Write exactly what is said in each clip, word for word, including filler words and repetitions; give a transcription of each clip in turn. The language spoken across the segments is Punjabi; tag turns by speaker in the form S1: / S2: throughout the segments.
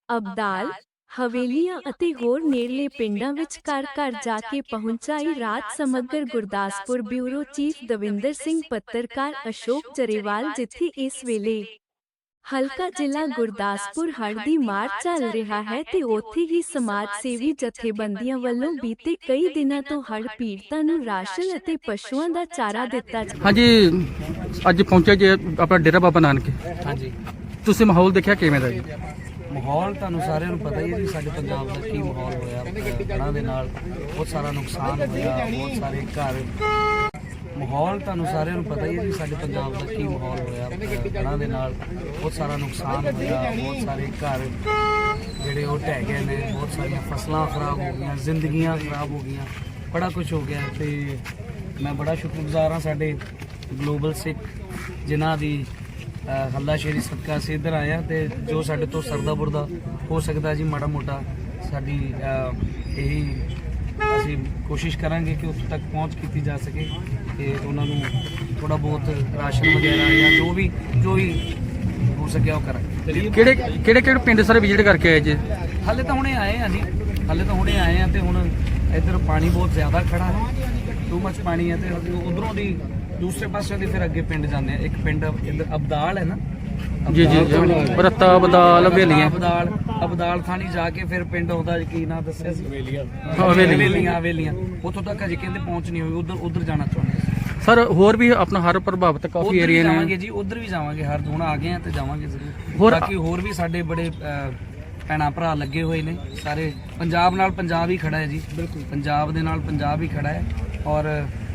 S1: ਅਬਦਾਲ, ਹਵੇਲੀਆਂ ਅਤੇ ਹੋਰ ਨੇੜਲੇ ਪਿੰਡਾਂ ਵਿੱਚ ਘਰ ਘਰ ਜਾ ਕੇ ਪਹੁੰਚਾਈ ਰਾਤ ਸਮਗਰ ਗੁਰਦਾਸਪੁਰ ਬਿਊਰੋ ਚੀਫ ਦਵਿੰਦਰ ਸਿੰਘ ਪੱਤਰਕਾਰ ਅਸ਼ੋਕ ਜਰੇਵਾਲ ਜਿੱਥੇ ਇਸ ਵੇਲੇ ਹਲਕਾ ਜ਼ਿਲ੍ਹਾ ਗੁਰਦਾਸਪੁਰ ਹੜ੍ਹ ਦੀ ਮਾਰ ਚੱਲ ਰਿਹਾ ਹੈ ਤੇ ਉੱਥੇ ਹੀ ਸਮਾਜ ਸੇਵੀ ਜਥੇਬੰਦੀਆਂ ਵੱਲੋਂ ਬੀਤੇ ਕਈ ਦਿਨਾਂ ਤੋਂ ਹੜ੍ਹ ਪੀੜਤਾਂ ਨੂੰ ਰਾਸ਼ਨ ਅਤੇ ਪਸ਼ੂਆਂ ਦਾ ਚਾਰਾ ਦਿੱਤਾ ਜਾ
S2: ਹਾਂਜੀ ਅੱਜ ਪਹੁੰਚੇ ਜੇ ਆਪਣਾ ਡੇਰਾ ਬਾਬਾ ਨਾਨਕ।
S3: ਹਾਂਜੀ
S2: ਤੁਸੀਂ ਮਾਹੌਲ ਦੇਖਿਆ ਕਿਵੇਂ ਦਾ ਜੀ?
S3: ਮਾਹੌਲ ਤੁਹਾਨੂੰ ਸਾਰਿਆਂ ਨੂੰ ਪਤਾ ਹੀ ਹੈ ਜੀ, ਸਾਡੇ ਪੰਜਾਬ ਦਾ ਕੀ ਮਾਹੌਲ ਹੋਇਆ। ਹੜ੍ਹਾਂ ਦੇ ਨਾਲ ਬਹੁਤ ਸਾਰਾ ਨੁਕਸਾਨ ਹੋਇਆ, ਬਹੁਤ ਸਾਰੇ ਘਰ। ਮਾਹੌਲ ਤੁਹਾਨੂੰ ਸਾਰਿਆਂ ਨੂੰ ਪਤਾ ਹੀ ਹੈ ਜੀ, ਸਾਡੇ ਪੰਜਾਬ ਦਾ ਕੀ ਮਾਹੌਲ ਹੋਇਆ। ਹੜ੍ਹਾਂ ਦੇ ਨਾਲ ਬਹੁਤ ਸਾਰਾ ਨੁਕਸਾਨ ਹੋਇਆ, ਬਹੁਤ ਸਾਰੇ ਘਰ ਜਿਹੜੇ ਉਹ ਢਹਿ ਗਏ ਨੇ, ਬਹੁਤ ਸਾਰੀਆਂ ਫਸਲਾਂ ਖਰਾਬ ਹੋ ਗਈਆਂ, ਜ਼ਿੰਦਗੀਆਂ ਖਰਾਬ ਹੋ ਗਈਆਂ, ਬੜਾ ਕੁਝ ਹੋ ਗਿਆ। ਤੇ ਮੈਂ ਬੜਾ ਸ਼ੁਕਰਗੁਜ਼ਾਰ ਹਾਂ ਸਾਡੇ ਗਲੋਬਲ ਸਿੱਖ ਜਿਨ੍ਹਾਂ ਦੀ ਹੱਲਾਸ਼ੇਰੀ ਸਦਕਾ ਅਸੀਂ ਇੱਧਰ ਆਏ ਹਾਂ। ਤੇ ਜੋ ਸਾਡੇ ਤੋਂ ਸਰਦਾ ਬੁਰਦਾ ਹੋ ਸਕਦਾ ਜੀ, ਮਾੜਾ ਮੋਟਾ ਸਾਡੀ ਇਹੀ ਅਸੀਂ ਕੋਸ਼ਿਸ਼ ਕਰਾਂਗੇ ਕਿ ਉੱਥੇ ਤੱਕ ਪਹੁੰਚ ਕੀਤੀ ਜਾ ਸਕੇ ਤੇ ਉਹਨਾਂ ਨੂੰ ਥੋੜਾ ਬਹੁਤ ਰਾਸ਼ਨ ਵਗੈਰਾ ਜਾਂ ਜੋ ਵੀ ਜੋ ਵੀ ਹੋ ਸਕਿਆ ਉਹ ਕਰਾਂਗੇ।
S2: ਕਿਹੜੇ ਕਿਹੜੇ ਕਿਹੜੇ ਪਿੰਡ ਸਾਰੇ ਵਿਜ਼ਿਟ ਕਰਕੇ ਆਏ ਜੀ?
S3: ਹਾਲੇ ਤਾਂ ਹੁਣੇ ਆਏ ਆ ਜੀ, ਹਾਲੇ ਤਾਂ ਹੁਣੇ ਆਏ ਆ ਤੇ ਹੁਣ ਇੱਧਰ ਪਾਣੀ ਬਹੁਤ ਜ਼ਿਆਦਾ ਖੜਾ ਹੈ, ਟੂ ਮੱਚ ਪਾਣੀ ਹੈ। ਤੇ ਉਧਰੋਂ ਦੀ ਦੂਸਰੇ ਪਾਸੇ ਦੀ ਫਿਰ ਅੱਗੇ ਪਿੰਡ ਜਾਂਦੇ ਆ। ਇੱਕ ਪਿੰਡ ਇੱਧਰ ਅਬਦਾਲ ਹੈ ਨਾ,
S2: ਜੀ ਜੀ ਬਰਤਾ ਬਦਾਲ ਹਵੇਲੀਆਂ
S3: ਅਬਦਾਲ ਅਬਦਾਲ ਥਾਣੀ ਜਾ ਕੇ ਫਿਰ ਪਿੰਡ ਆਉਂਦਾ ਕੀ ਨਾਂ ਦੱਸਿਆ ਸੀ?
S2: ਹਵੇਲੀਆਂ
S3: ਹਵੇਲੀਆਂ ਹਵੇਲੀਆਂ ਉੱਥੋਂ ਤੱਕ ਅਜੇ ਕਹਿੰਦੇ ਪਹੁੰਚ ਨਹੀਂ ਹੋਈ। ਉਧਰ ਉਧਰ ਜਾਣਾ ਚਾਹੁੰਦੇ ਸੀ
S2: ਸਰ। ਹੋਰ ਵੀ ਆਪਣਾ ਹਰ ਪ੍ਰਭਾਵਿਤ ਕਾਫੀ ਏਰੀਆ ਨੇ।
S3: ਜਾਵਾਂਗੇ ਜੀ, ਉਧਰ ਵੀ ਜਾਵਾਂਗੇ। ਹਰ ਹੁਣ ਆ ਗਏ ਆ ਤੇ ਜਾਵਾਂਗੇ ਜ਼ਰੂਰ।
S2: ਹੋਰ
S3: ਬਾਕੀ ਹੋਰ ਵੀ ਸਾਡੇ ਬੜੇ ਭੈਣਾਂ ਭਰਾ ਲੱਗੇ ਹੋਏ ਨੇ ਸਾਰੇ। ਪੰਜਾਬ ਨਾਲ ਪੰਜਾਬ ਹੀ ਖੜਾ ਹੈ ਜੀ, ਬਿਲਕੁਲ ਪੰਜਾਬ ਦੇ ਨਾਲ ਪੰਜਾਬ ਹੀ ਖੜਾ ਹੈ। ਔਰ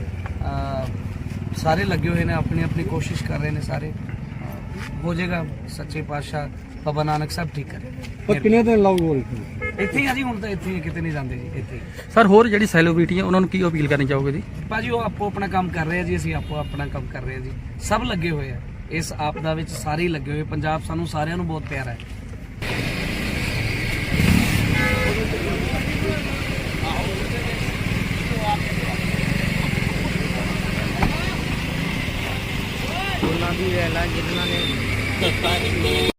S3: ਸਾਰੇ ਲੱਗੇ ਹੋਏ ਨੇ, ਆਪਣੀ ਆਪਣੀ ਕੋਸ਼ਿਸ਼ ਕਰ ਰਹੇ ਨੇ ਸਾਰੇ। ਹੋ ਜਾਏਗਾ, ਸੱਚੇ ਪਾਤਸ਼ਾਹ ਬਾਬਾ ਨਾਨਕ ਸਾਹਿਬ ਠੀਕ ਕਰੇ।
S4: ਪਰ ਕਿੰਨੇ ਦਿਨ ਲਾਉਗੇ
S3: ਇੱਥੇ ਹੀ ਆ ਜੀ, ਹੁਣ ਤਾਂ ਇੱਥੇ ਹੀ, ਕਿਤੇ ਨਹੀਂ ਜਾਂਦੇ ਜੀ, ਇੱਥੇ ਹੀ।
S2: ਸਰ ਹੋਰ ਜਿਹੜੀ ਸੈਲੀਬ੍ਰਿਟੀ ਹੈ ਉਹਨਾਂ ਨੂੰ ਕੀ ਅਪੀਲ ਕਰਨੀ ਚਾਹੋਗੇ ਜੀ?
S3: ਭਾਜੀ ਉਹ ਆਪੋ ਆਪਣਾ ਕੰਮ ਕਰ ਰਹੇ ਆ ਜੀ, ਅਸੀਂ ਆਪੋ ਆਪਣਾ ਕੰਮ ਕਰ ਰਹੇ ਆ ਜੀ। ਸਭ ਲੱਗੇ ਹੋਏ ਆ ਇਸ ਆਪਦਾ ਵਿੱਚ, ਸਾਰੇ ਹੀ ਲੱਗੇ ਹੋਏ। ਪੰਜਾਬ ਸਾਨੂੰ ਸਾਰਿਆਂ ਨੂੰ ਬਹੁਤ ਪਿਆਰਾ ਹੈ। ਉਹਨਾਂ ਦੀ ਰਹਿਲਾ ਜਿਨ੍ਹਾਂ ਨੇ